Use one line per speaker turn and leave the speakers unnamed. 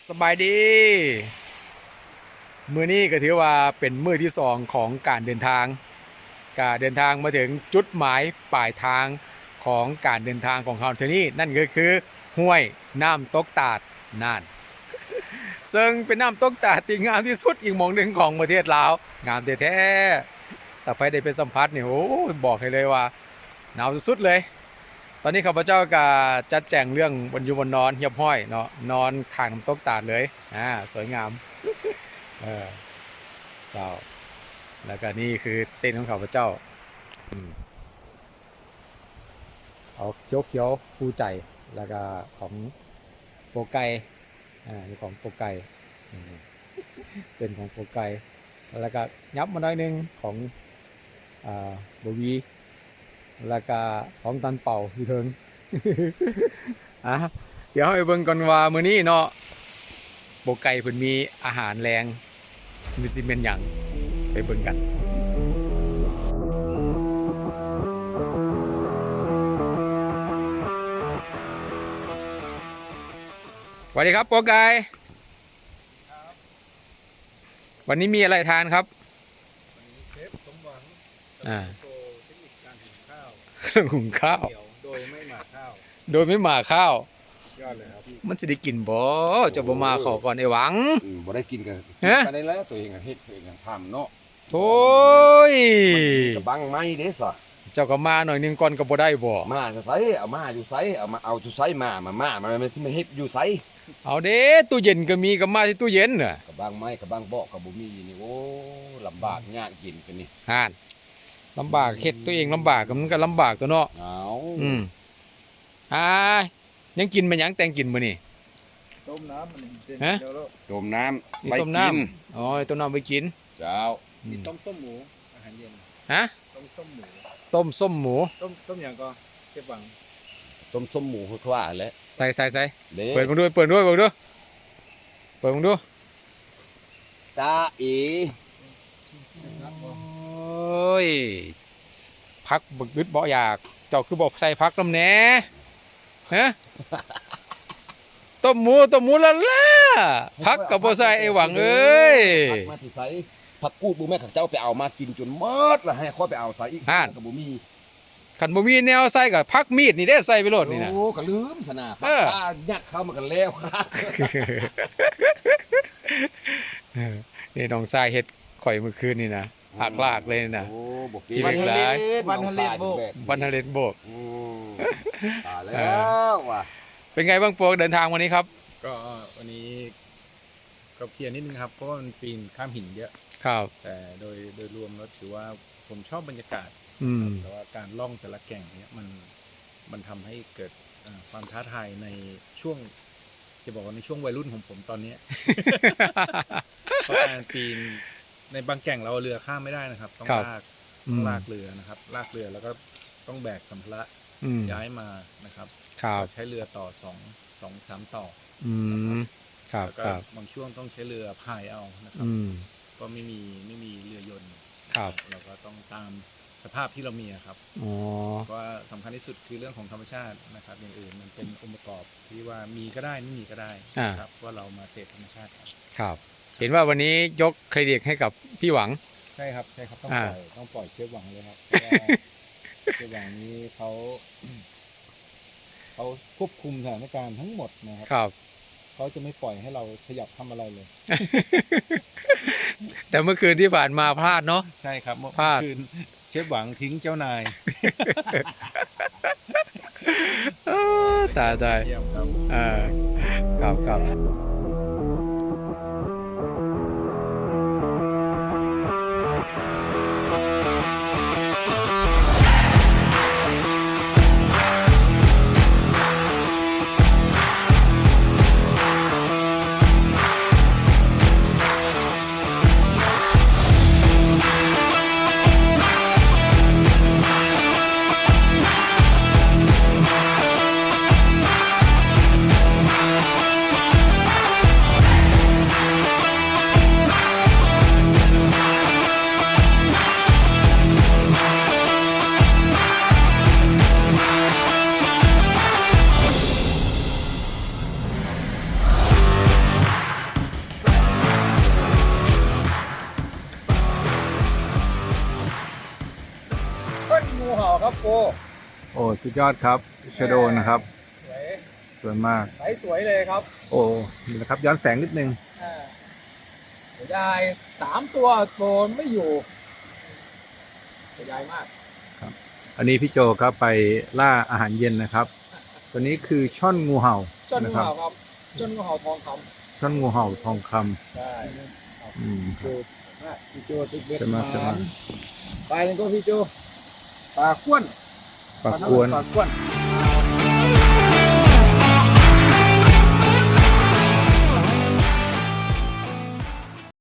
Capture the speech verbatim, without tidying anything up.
สบายดีมื้อนี้ก็ถือว่าเป็นมื้อที่สองของการเดินทางการเดินทางมาถึงจุดหมายปลายทางของการเดินทางของเราเที่ยวนี้นั่นก็คือห้วยน้ำตกตาดน่านซึ่งเป็นน้ำตกตาดที่งามที่สุดอีกหม่องหนึ่งของประเทศลาวงามแท้ๆแต่ไปได้ไปสัมผัสนี่โอ้บอกให้เลยว่าหนาวสุดๆเลยตอนนี้ข้าพเจ้าก็จัดแจงเรื่องบนอยู่บนนอนเหียบห้อยเนาะนอนข้างน้ำตกตาดเลยอ่าสวยงามเออเจ้าแล้วก็นี่คือเต็นท์ของข้าพเจ้าอืมเอาเขียวเขียวคู่ใจแล้วก็ของโปรไกอ่านี่ของโปรไกอืมเป็นของโปรไกแล้วก็ยับมาหน่อยหนึงของอ่าบวีแล้วก็ของตันเป่าอยู่เทิง อ่ะเดี๋ยวให้เบิ่งก่อนว่ามื้อนี้เนาะโปรไกเพิ่นมีอาหารแรงมีสิเป็นหยังไปเบิ่งกันสวัสดีครับโปรไกวันนี้มีอะไรทานครับ
เชฟสมหวัง
อ่า
โชว์เทคนิคการหุงข้าว
เครื่องหุงข้าว
เดี่ยวโดยไม่หมักข้าว
โดยไม่หมาข้าว
ยอดเลยครับ
มันจะได้กินบ่จะบ่มาขอก่อนไอ้หวัง
อืมบ่ได้กินกัน
ฮะ
กันได้แล้วตัวเองก็เฮ็ดตัวเองก็ทำเนาะ
โถ่ย
กระบังไม้เด้ซะ
เจ้าก็มาหน่อยหนึงก่อนก็บ่ได้บ่
มาจะไสเอามาอยู่ไสเอามาเอาอยู่ไสมามามามันมันสิมาเฮ็ดอยู่ไส
เอาเด้ตู้เย็นก็มีก็มาที่ตู้เย็นน่ะ
กระบังไม้กระบังเบาะก็บ่มีนี่โอ้ลำบากยากกินกันนี่
ห่านลำบากเฮ็ดตัวเองลำบากก็มันก็ลำบากตัวเนาะ
เอา
อืมอ่ายังกินมันหยังแต่งกินมื้อนี่
ต้มน้ำมันเต็ม
ฮะ
เดียวแล้ว
ต้มน้ำ
นี่
ไป
ต้ม
กิ
น้ำ
น
อ๋อต้มน้ำไปกิน
เจ้า
อื
มี
ม
ต้มส้มหมูอาหารเย็น
ฮะ
ต้มส้มหมู
ต้มส้มหมู
ต้มต้มอย่างก็เชฟหวัง
ต้มส้มหมูคือว่าแหละ
ใส่ใส่ใส่
เด้
เปิดมาด้วยเปิดด้วยเปิดด้วยเปิดมาดู
จ้าอี
ครับ
โอ้ยพักบึกบึดบ่อยากเจ้าคือบอกใส่พักน้ำแหน่ฮะต้มหมูต้มหมูละล่ะพักกับบ่ใส่ไอ้หวังเอ้ย
ผักมาที่ไสผักกูดบ่แม่ข้าเจ้าไปเอามากินจนหมดแล้วให้ค่อยไปเอาใส่อีก
ห่าน
ก็บ่มี
ขันบ่มีแนวใส่กับพักมีดนี่ได้ใส่ไปโลดนี่นะ
โอ้ก็ลืมสนะ
เออ
ปากกายัดเข้ามากันแล้วครับ
นี่น้องทรายเฮ็ดข่อยเมื่อคืนนี่นะหักลากเลยนะ
โอ้บ่
กินอีกหลาย
วันทะเลโบก
วันทะเลโบก
อืมตายแล้วว่ะ
เป็นไงบ้างโปรเดินทางวันนี้ครับ
ก็วันนี้ก็เคลียร์นิดนึงครับเพราะว่ามันปีนข้ามหินเยอะ
ครับ
แต่โดยโดยรวมแล้วถือว่าผมชอบบรรยากาศ
อืม
แต่ว่าการล่องแต่ละแก่งเนี้ยมันมันทำให้เกิดเอ่อความท้าทายในช่วงจะบอกว่าในช่วงวัยรุ่นของผมตอนเนี้ย เพราะการปีนในบางแก่งเราเอาเรือข้ามไม่ได้นะครับ ต้อง
ครับ
ลาก
อื
ต้อง
ม
ลากเรือนะครับ ลากเรือแล้วก็ต้องแบกสัมภาระ
อืม
ย้ายมานะครับ
ครับ
ใช้เรือต่อสองสองสามต่อ
อืมครับ
แล้วก็
ครับ
บางช่วงต้องใช้เรือพายเอานะครับ
อืม
ก็ไม่มีไม่มีเรือยนต์
ครับ
เราก็ต้องตามสภาพที่เรามีอะครับ
อ๋อ
เพราะว่าสำคัญที่สุดคือเรื่องของธรรมชาตินะครับอย่างอื่นมันเป็นองค์ประกอบที่ว่ามีก็ได้ไม่มีก็ได้นะครับว่าเรามาเสพธรรมชาติครับ
ครับ เห็นว่าวันนี้ยกเครดิตให้กับพี่หวัง
ใช่ครับใช่ครับต้อง
อ่า
ปล่อยต้องปล่อยเชฟหวังเลยครับเพราะว่าเชฟหวังนี้เขาเขาควบคุมสถานการณ์ทั้งหมดนะครับ
ครับ
เขาจะไม่ปล่อยให้เราขยับทำอะไรเลย
แต่เมื่อคืนที่ผ่านมาพลาดเนาะ
ใช่ครับเมื่อ
พลาด
คืนเชฟหวังทิ้งเจ้านาย
เออตายตาย
เยี่ยมครับ
เออครับครับ
โอ้สุดยอดครับชโดนะครับ
สวย
สวยมาก
ใสสวยเลยครับ
โอ้นี่นะครับย้อนแสงนิดนึง
อ่าเสียดายสามตัวโดนไม่อยู่เสียดายมาก
อันนี้พี่โจครับไปล่าอาหารเย็นนะครับ ตัวนี้คือช่อนงูเห่า
จนงู
นะครับ
เห่าครับจนงูเห่าทองค
ช่อนงูเห่าทองคำ
ำใช่
อืม
โจมากพี่โจติ๊กเบ็ด
จะมาจะมา
ไปกันก็พี่โจ
ปลาข้วน
ปลากวน
ปลาข้วน